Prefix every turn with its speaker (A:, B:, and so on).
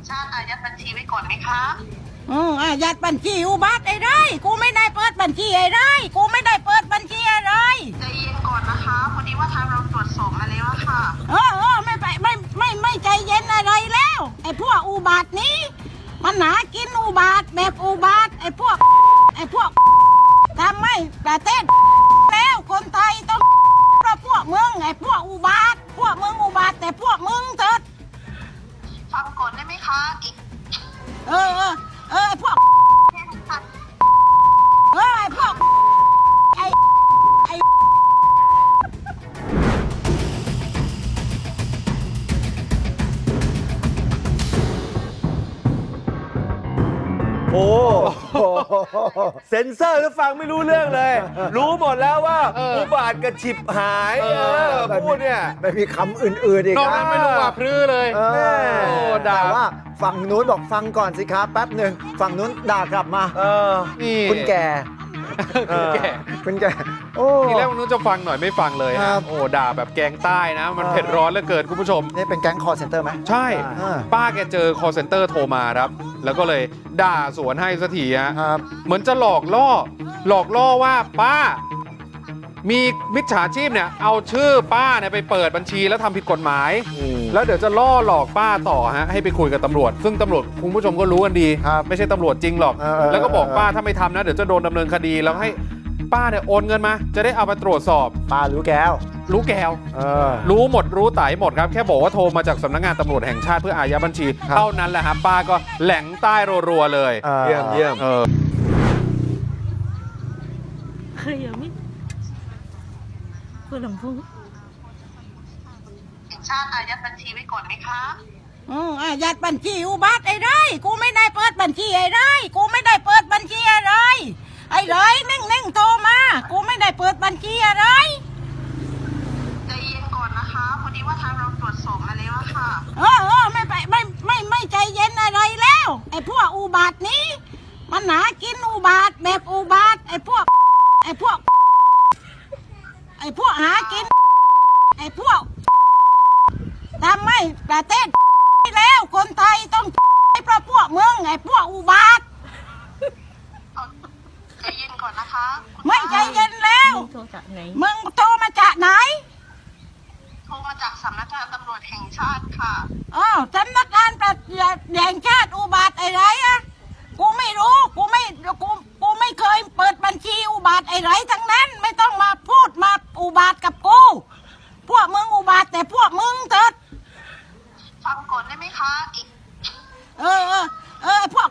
A: ชาติอายัดบัญชีไว้ก่อนไหมคะ
B: อายัดบัญชีอุบัติไอ้ไรกูไม่ได้เปิดบัญชีไอ้ไรกูไม่ได้เปิดบัญชีอะไร
A: ใจเย็นก่อนนะคะพอดีว่าทางเราตรวจสอบมาแล้วค่ะ
B: ไม่ไปไม่ใจเย็นอะไรแล้วไอ้พวกอุบัตินี้มันหากินอุบัติแบบอุบัติไอ้พวกทำไม่ประเทศแล้วคนไทยต้องเพราะพวกมึงไอ้พวกอุบัติพวกมึงอุบัติแต่พวกมึงเถิด
A: ฟังก่อนได้ไหมคะอีก
B: ไอ้พวกไอ้พวกไอ้
C: โอ้เซ็นเซอร์แล้วฟังไม่รู้เรื่องเลย รู้หมดแล้วว่าอุบาทกับฉิบหายพูดเนี่ย
D: ไม่มีคำอื่นๆอีกนะ
E: นอกนั้นไม่รู้ว่าพรื้เลย
D: ด่าว่าฝั่งนู้นบอกฟังก่อนสิครับแป๊บหนึ่งฝั่งนู้นด่ากลับมาคุณแก่คุณแก่โอ้
E: ทีแรกมันนู้นจะฟังหน่อยไม่ฟังเลยนะโอ้ด่าแบบแกงใต้นะมันเผ็ดร้อนเหลือเกินคุณผู้ชม
D: นี่เป็นแก๊งคอร์เซ็นเตอร์ไหม
E: ใช่ป้าแกเจอคอร์เซ็นเตอร์โทรมาครับแล้วก็เลยด่าสวนให้สักทีฮะเหมือนจะหลอกล่อว่าป้ามีมิจฉาชีพเนี่ยเอาชื่อป้าเนี่ยไปเปิดบัญชีแล้วทำผิดกฎหมายแล้วเดี๋ยวจะล่อหลอกป้าต่อฮะให้ไปคุยกับตำรวจซึ่งตำรวจคุณผู้ชมก็รู้กันดีไม่ใช่ตำรวจจริงหรอกแล้วก็บอกป้าถ้าไม่ทำนะเดี๋ยวจะโดนดำเนินคดีแล้วให้ป้าเนี่ยโอนเงินมาจะได้เอาไปตรวจสอบ
D: ป้ารู้แก้ว
E: รู้หมดรู้ไต่หมดครับแค่บอกว่าโทรมาจากสำนักงานตำรวจแห่งชาติเพื่ออายัดบัญชีเท่านั้นแหละครับป้าก็แหล่งใต้รัวๆเลย
C: เยี่ยม
B: เคยยังไม่คุณหลวงพ่อ
A: ชาติอายัดบัญชีไว้ก่อนไหมคะ
B: อายัดบัญชีอุบัติไอ้ไรกูไม่ได้เปิดบัญชีไอ้ไรกูไม่ได้เปิดบัญชีอะไรไอ้ไรนิ่งโทรมากูไม่ได้เปิดบัญชีอะไร
A: ใจเย็นก่อนนะคะพอดีว่าทางเราตรวจสอบมาแล้วค่ะ
B: ไม่ใจเย็นอะไรแล้วไอ้พวกอุบัตินี้มันหากินอุบัติแบบอุบัติไอ้พวกหากินไอ้พวกทำไม่ประเทศแล้วคนไทยต้องเพราะพวกมึงไอ้พวกอุบัติ
A: ใจเย็นก่อนนะคะ
B: ไม่ใจเย็นแล้วมึงโทรมาจากไหน
A: โทรมาจากสำนักงานตำรวจแห่งชาติค่ะ
B: สำนักงานแห่งชาติอุบัติอะไรอะกูไม่รู้กูไม่เคยเปิดบัญชีอุบัติอะไรทั้งนั้นไม่ต้องมาพูดมาอุบัติกับกูพวกมึงอุบัติแต่พวกมึงเถิด
A: ฟังก่อนได้ไหมคะอีก
B: พวก